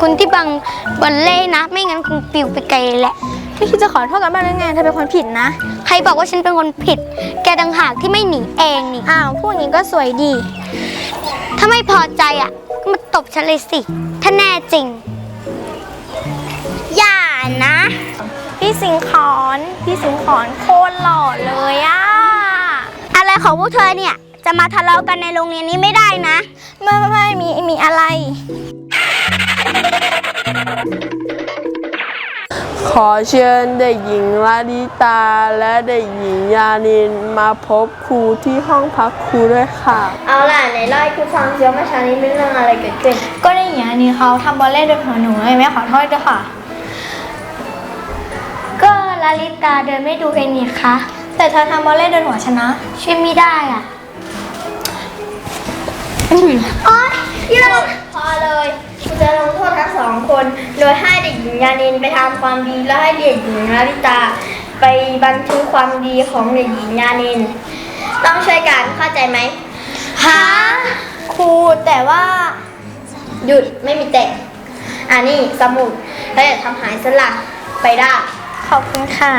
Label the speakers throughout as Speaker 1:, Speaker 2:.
Speaker 1: คุณที่บังบอลเล่นะไม่งั้นคงปิวไปไกลเลยแหละ
Speaker 2: ไม่คิดจะขอโทษกันบ้างหรือไงเธอเป็นคนผิดนะ
Speaker 1: ใครบอกว่าฉันเป็นคนผิดแกต่างหากที่ไม่หนีเองนี่
Speaker 2: อ้าวพูดอย่างนี้ก็สวยดี
Speaker 1: ถ้าไม่พอใจอ่ะก็มาตบฉันเลยสิถ้าแน่จริงอย่านะ
Speaker 2: พี่สิงขอนโคตรหล่อเลยอะ
Speaker 1: อะไรของพวกเธอเนี่ยจะมาทะเลาะกันในโรงเรียนนี้ไม่ได้นะ
Speaker 2: ไม่มีอะไร
Speaker 3: ขอเชิญเด็กหญิงลาลิตาและเด็กหญิงยานินมาพบครูที่ห้องพักครูด้วยค่ะ
Speaker 4: เอาล่ะไหนเล่าให้ครูฟังซิว่าเมื่อเช้านี้เป็นเรื่องอะไรเกิดขึ้น
Speaker 2: ก็ได้อย่างนี้เขาทำบอลเล่โดนหัวหนูเลยแม่ขอโทษด้วยค่ะ
Speaker 1: ก็ลาลิตาเดินไม่ดูเองนี่คะ
Speaker 2: แต่เธอทำบอลเล่โดนหัวฉันนะ
Speaker 1: ช่วยไม่ได้อ่ะ
Speaker 4: โอ๊ยพี่เราพอเลยคุณจะลงโทษทั้งสองคนโดยให้เด็กหญิงยานินไปทำความดีและให้เด็กหญิงลาลิตาไปบันทึกความดีของเด็กหญิงยานินต้องช่วยกันเข้าใจไหม
Speaker 2: ฮะครูแต่ว่า
Speaker 4: หยุดไม่มีแต่อันนี้สมุดแล้วอย่าทำหายสลักไปได้
Speaker 2: ขอบคุณค่ะ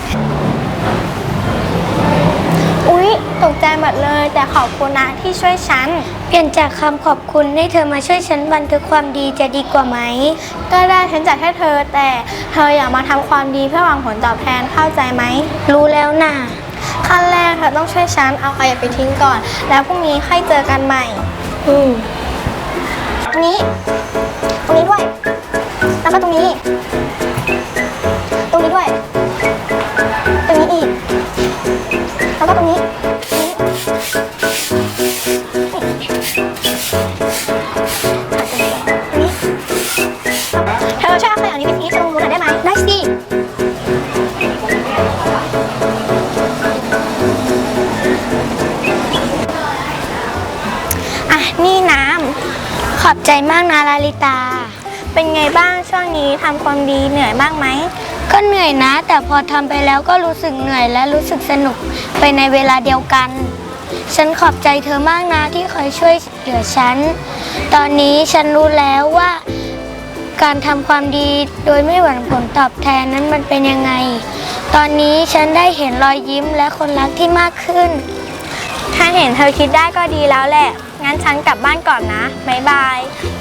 Speaker 2: อุ๊ยตกใจหมดเลยแต่ขอบคุณนะที่ช่วยฉัน
Speaker 1: เปลี่ยนจากคำขอบคุณให้เธอมาช่วยฉันบันทึกความดีจะดีกว่าไหม
Speaker 2: ก็ได้ฉันจัดให้เธอแต่เธออย่ามาทำความดีเพื่อหวังผลตอบแทนเข้าใจไหม
Speaker 1: รู้แล้วน่ะ
Speaker 2: ขั้นแรกเธอต้องช่วยฉันเอาขยะไปทิ้งก่อนแล้วพรุ่งนี้ค่อยเจอกันใหม่ตรงนี้ด้วยแล้วก็ตรงนี้ด้วยตรงนี้อีกแล้วก็ตรงนี้เธอช่วยเอาขยะนี้ไปทิ้งตรงนู้นหน่อยได้ไหม
Speaker 1: ได้สิ
Speaker 2: อ่ะนี่น้
Speaker 1: ำขอบใจมากนะลาลิตา
Speaker 2: เป็นไงบ้างช่วงนี้ทำความดีเหนื่อยมากไหม
Speaker 1: ก็เหนื่อยนะแต่พอทำไปแล้วก็รู้สึกเหนื่อยและรู้สึกสนุกไปในเวลาเดียวกันฉันขอบใจเธอมากนะที่คอยช่วยเหลือฉันตอนนี้ฉันรู้แล้วว่าการทำความดีโดยไม่หวังผลตอบแทนนั้นมันเป็นยังไงตอนนี้ฉันได้เห็นรอยยิ้มและคนรักที่มากขึ้น
Speaker 2: ถ้าเห็นเธอคิดได้ก็ดีแล้วแหละงั้นฉันกลับบ้านก่อนนะบ๊ายบาย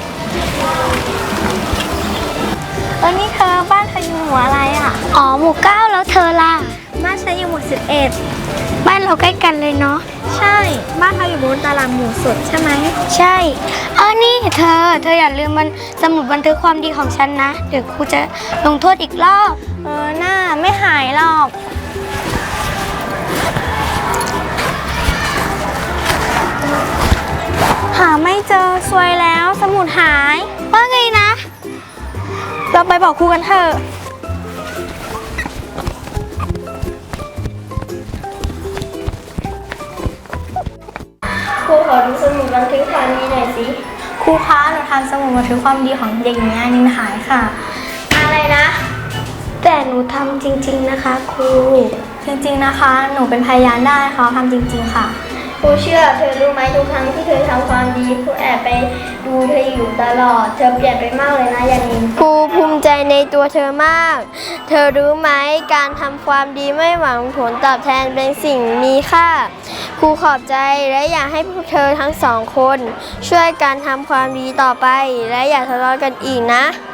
Speaker 2: นี่เธอบ้านเธออยู่หมู่อะไรอ่ะ
Speaker 1: อ๋อหมู่9แล้วเธอล่ะ
Speaker 2: บ้านฉันอยู่หมู่11
Speaker 1: บ้านเราใกล้กันเลยเนาะ
Speaker 2: ใช่บ้านเธออยู่บนตารางหมู่สุดใช่ไหม
Speaker 1: ใช่นี่เธออย่าลืมมันสมุดบันทึกความดีของฉันนะเดี๋ยวครูจะลงโทษอีกรอบ
Speaker 2: หน้าไม่หายหรอกหาไม่เจอซวยแล้วสมุดหาย
Speaker 1: ว่าไงนะ
Speaker 2: เราไปบอกครูกันเถอะ
Speaker 4: ครูขอดูสมุดบันทึกความดีหน่อยสิ
Speaker 2: ครูคะหนูทำสมุดบันทึกความดีของเด็กหญิงนินหายค่ะ
Speaker 4: อะไรนะ
Speaker 1: แต่หนูทำจริงๆนะคะครู
Speaker 2: จริงๆนะคะหนูเป็นพยานได้เขาทำจริงๆค่ะ
Speaker 4: ครูเชื่อเธอรู้ไหมทุกครั้งที่เธอทำความดีครูแอบไปดูเธออยู่ตลอดเธอเปลี่ยนไปมากเลยนะยานิน
Speaker 2: ครูภูมิใจในตัวเธอมากเธอรู้ไหมการทำความดีไม่หวังผลตอบแทนเป็นสิ่งมีค่าครูขอบใจและอยากให้พวกเธอทั้งสองคนช่วยกันทำความดีต่อไปและอย่าทะเลาะกันอีกนะ